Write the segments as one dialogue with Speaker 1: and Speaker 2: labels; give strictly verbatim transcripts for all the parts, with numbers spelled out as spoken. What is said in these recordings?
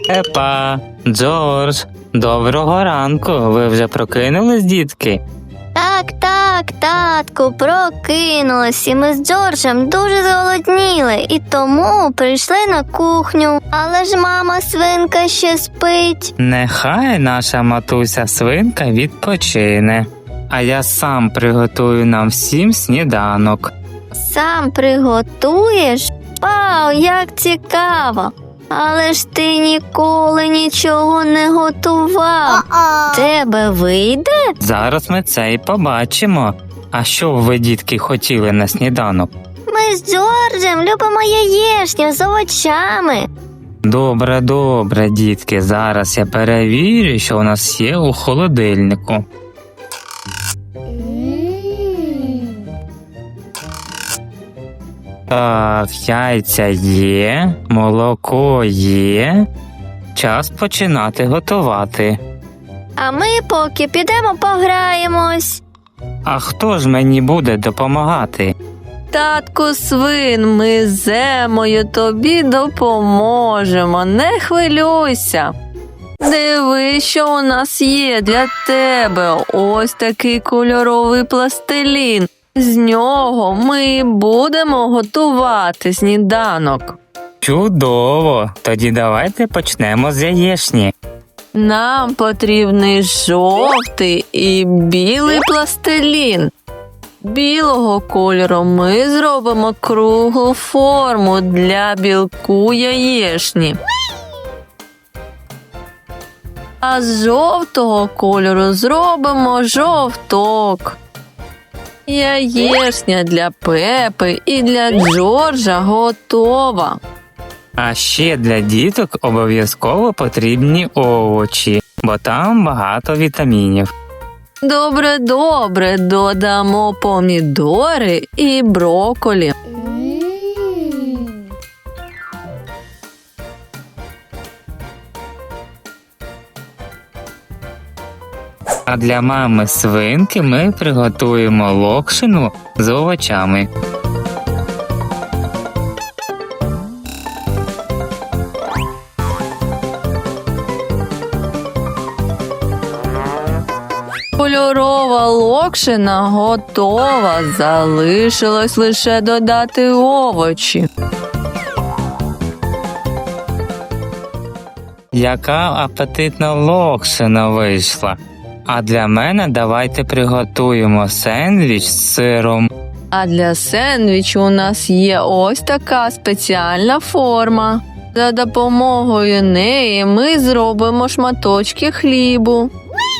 Speaker 1: Пепа, Джордж, доброго ранку. Ви вже прокинулись, дітки?
Speaker 2: Так, так, татку, прокинулись, і ми з Джорджем дуже зголодніли, і тому прийшли на кухню. Але ж мама свинка ще спить.
Speaker 1: Нехай наша матуся свинка відпочине, а я сам приготую нам всім сніданок.
Speaker 2: Сам приготуєш? Вау, як цікаво! Але ж ти ніколи нічого не готував. Тебе вийде?
Speaker 1: Зараз ми це і побачимо. А що ви, дітки, хотіли на сніданок?
Speaker 2: Ми з Джорджем любимо яєчню з овочами.
Speaker 1: Добре, добре, дітки, зараз я перевірю, що у нас є у холодильнику. Так, яйця є, молоко є. Час починати готувати.
Speaker 2: А ми поки підемо пограємось.
Speaker 1: А хто ж мені буде допомагати?
Speaker 3: Татку свин, ми з Емою тобі допоможемо, не хвилюйся. Диви, що у нас є для тебе. Ось такий кольоровий пластилін. З нього ми будемо готувати сніданок.
Speaker 1: Чудово! Тоді давайте почнемо з яєчні.
Speaker 3: Нам потрібний жовтий і білий пластилін. Білого кольору ми зробимо круглу форму для білку яєчні. А з жовтого кольору зробимо жовток. Яєчня для Пепи і для Джорджа готова.
Speaker 1: А ще для діток обов'язково потрібні овочі, бо там багато вітамінів.
Speaker 3: Добре, добре, додамо помідори і брокколі.
Speaker 1: А для мами свинки ми приготуємо локшину з овочами.
Speaker 3: Кольорова локшина готова, залишилось лише додати овочі.
Speaker 1: Яка апетитна локшина вийшла. А для мене давайте приготуємо сендвіч з сиром.
Speaker 3: А для сендвічу у нас є ось така спеціальна форма. За допомогою неї ми зробимо шматочки хлібу.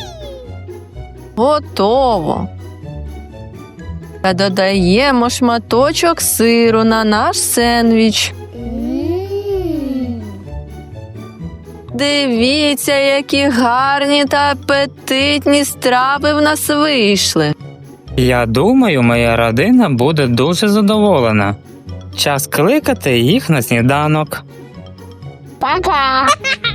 Speaker 3: Готово. Та додаємо шматочок сиру на наш сендвіч. Дивіться, які гарні та апетитні страви в нас вийшли.
Speaker 1: Я думаю, моя родина буде дуже задоволена. Час кликати їх на сніданок.
Speaker 2: Пока!